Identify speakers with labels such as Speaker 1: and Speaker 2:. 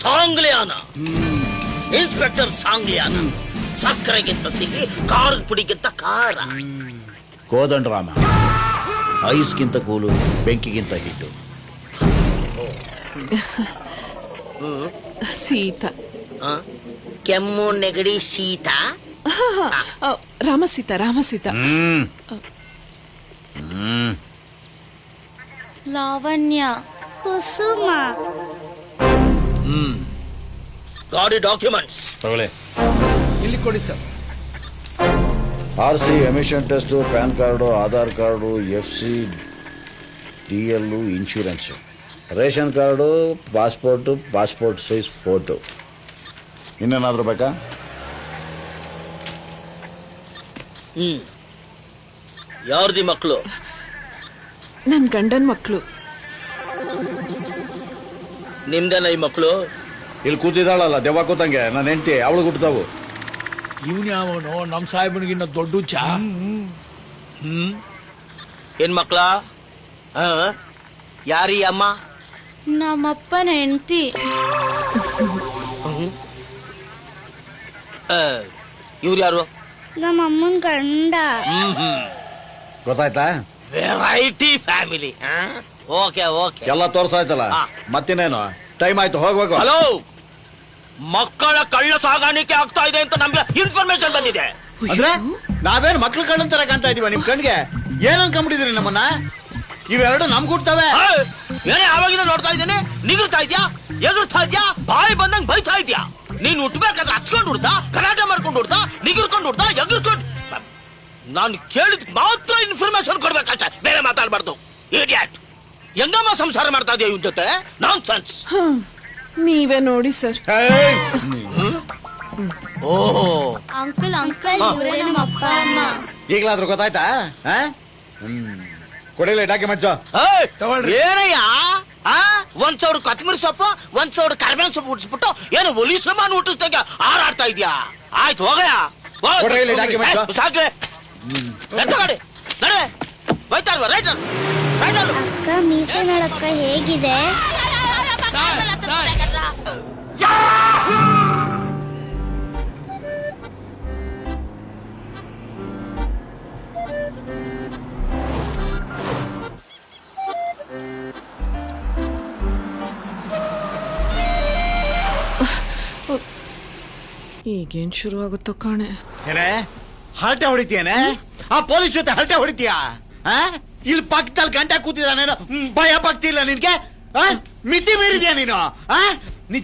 Speaker 1: Sangliana, inspector Sangliana. ಸಕ್ಕರೆಗಿಂತ ಸಿಹಿ, ಖಾರದ ಪುಡಿಗಿಂತ ಖಾರ.
Speaker 2: ಕೋದಂಡರಾಮ ಐಸ್ಗಿಂತ ಕೂಲು, ಬೆಂಕಿಗಿಂತ ಹಿಟ್ಟು.
Speaker 3: ಸೀತಾ.
Speaker 1: ಕೆಮ್ಮು ನೆಗಡಿ ಶೀತ.
Speaker 3: ರಾಮಸೀತಾ ರಾಮಸೀತಾ.
Speaker 4: ಲಾವಣ್ಯ, ಕುಸುಮ.
Speaker 1: ಗಾಡಿ ಡಾಕ್ಯುಮೆಂಟ್ಸ್
Speaker 2: ತಗೊಳ್ಳಿ.
Speaker 5: ಇಲ್ಲಿ ಕೊಡಿ sir.
Speaker 2: RC, emission test, pan card, Aadhaar card, FC, DL, insurance, ration card, passport, passport size photo. ಇನ್ನೇನಾದರೂ ಬೇಕಾ?
Speaker 1: ಯಾರ್ದಿ ಮಕ್ಕಳು?
Speaker 3: ನನ್ ಗಂಡನ್ ಮಕ್ಕಳು.
Speaker 1: ನಿಮ್ದೇನ ಈ ಮಕ್ಕಳು?
Speaker 2: ಇಲ್ಲಿ ಕೂತಿದ್ದಾಳಲ್ಲ ದೆವ್ವ ಕೂತಂಗೆ, ನನ್ನ ಹೆಂಡತಿ, ಅವಳು ಹುಟ್ಟತಾವು.
Speaker 5: ಇವನ್ ಯಾವನು ನಮ್ಮ ಸಾಹೇಬನಿಗಿನ್ನ ದೊಡ್ಡ ಚಾ.
Speaker 1: ಏನ್ ಮಕ್ಕಳ? ಯಾರೀ ಅಮ್ಮ?
Speaker 4: ನಮ್ಮಪ್ಪನ ಹೆಂಡತಿ.
Speaker 1: ಇವ್ರು ಯಾರು?
Speaker 4: ನಮ್ಮಮ್ಮನ ಗಂಡ.
Speaker 2: ಗೊತ್ತಾಯ್ತಾ?
Speaker 1: Variety family. ಓಕೆ ಓಕೆ,
Speaker 2: ಎಲ್ಲ ತೋರ್ಸಾಯ್ತಲ್ಲ. ಮತ್ತಿನ್ನೇನು, ಟೈಮ್ ಆಯ್ತು, ಹೋಗ್ಬೇಕು.
Speaker 1: ಹಲೋ, ಮಕ್ಕಳ ಕಳ್ಳ ಸಾಗಾಣಿಕೆ ಆಗ್ತಾ ಇದೆ ಅಂತ ನಮ್ಗೆ ಇನ್ಫಾರ್ಮೇಶನ್ ಬಂದಿದೆ.
Speaker 2: ಅಂದ್ರೆ ನಾವೇನ್ ಮಕ್ಳು ಕಳ್ಳಂತರ ಕಾಣ್ತಾ ಇದೀವ ನಿಮ್ ಕಣ್ಗೆ? ಏನ್ ಅನ್ಕೊಂಡ್ಬಿಟ್ಟಿದ್ರಿ ನಮ್ಮನ್ನ? ಇವೆರಡು ನಮ್ ಕೂಡ್ತವೆ.
Speaker 1: ಏನೇ ಆವಾಗಿಂದ ನೋಡ್ತಾ ಇದ್ದೇನೆ. ನಿಗರ್ತಾ ಇದ್ಯಾ, ಎಗರ್ತಾ ಇದ್ಯಾ, ಬಾಯಿ ಬಂದಂಗ್ ಬೈತಾ ಇದ್ಯಾ. ನೀನ್ ಹುಟ್ಬೇಕಾದ್ರೆ ಹಚ್ಕೊಂಡು ಹುಡ್ತಾ, ಕರಾಟೆ ಮಾಡ್ಕೊಂಡು ಹುಡ್ತಾ, ನಿಗರ್ಕೊಂಡು ಹುಡ್ತಾ, ಎಗರ್ಕೊಂಡು. ನಾನು ಕೇಳಿದ್ ಮಾತ್ರ ಇನ್ಫಾರ್ಮೇಶನ್ ಕೊಡ್ಬೇಕಷ್ಟೇ, ಬೇರೆ ಮಾತಾಡ್ಬಾರ್ದು. ಇಡಿಯಟ್, ಹೆಂಗಮ್ಮ ಸಂಸಾರ ಮಾಡ್ತಾ ಇದೆಯಾ ಇವನ್ ಜೊತೆ? Nonsense.
Speaker 3: ನೀವೇ ನೋಡಿ ಸರ್.
Speaker 1: ಓಹೋ,
Speaker 4: ಅಂಕಲ್ ಅಂಕಲ್, ಇವರೇ ನಮ್ಮ ಅಪ್ಪ ಅಮ್ಮ.
Speaker 2: ಈಗಲಾದ್ರೂ ಗೊತ್ತಾಯ್ತಾ? ಕೊಡಿಲ್ಲ ಡಾಕ್ಯುಮೆಂಟ್ಸ್.
Speaker 1: ಏನಯ್ಯ? 1,000 ಕೊತ್ತಂಬರಿ ಸೊಪ್ಪು, 1,000 ಕರಿಬೇವಿನ ಸೊಪ್ಪು ಹುಟ್ಟಿಸ್ಬಿಟ್ಟು ಏನು ಒಲಿ ಸಾಮಾನು ಹುಟ್ಟಿಸ್ದಾಗ ಹಾರಾಡ್ತಾ ಇದ್ಯಾ? ಆಯ್ತು ಹೋಗಯ್ಯ,
Speaker 2: ಕೊಡ್ರಿ ಇಲ್ಲಿ documents.
Speaker 1: ಸಾಕ್ರೆ ಎತ್ತಗಾಡಿ ನಡೆ. ಹೋಯ್ತಾ ಇಲ್ವಾ? Right right.
Speaker 4: ಅಕ್ಕ, ಮೀಸೆ ನೋಡಕ್ಕ ಹೇಗಿದೆ?
Speaker 3: ಈಗೇನ್ ಶುರು ಆಗುತ್ತೋ ಕಾಣೆ.
Speaker 2: ಏನೇ ಹರಟೆ ಹೊಡಿತೀಯೇನೆ? ಆ ಪೊಲೀಸ್ ಜೊತೆ ಹರಟೆ ಹೊಡಿತೀಯಾ? ಇಲ್ಲಿ ಪಕ್ಕದಲ್ಲಿ ಗಂಟೆ ಕೂತಿದ್ದಾನೇನೋ, ಭಯ ಭಕ್ತಿ ಇಲ್ಲ ನಿನ್ಗೆ? ಮಿತಿ ಮೀರಿದ್ಯಾ ನೀನು?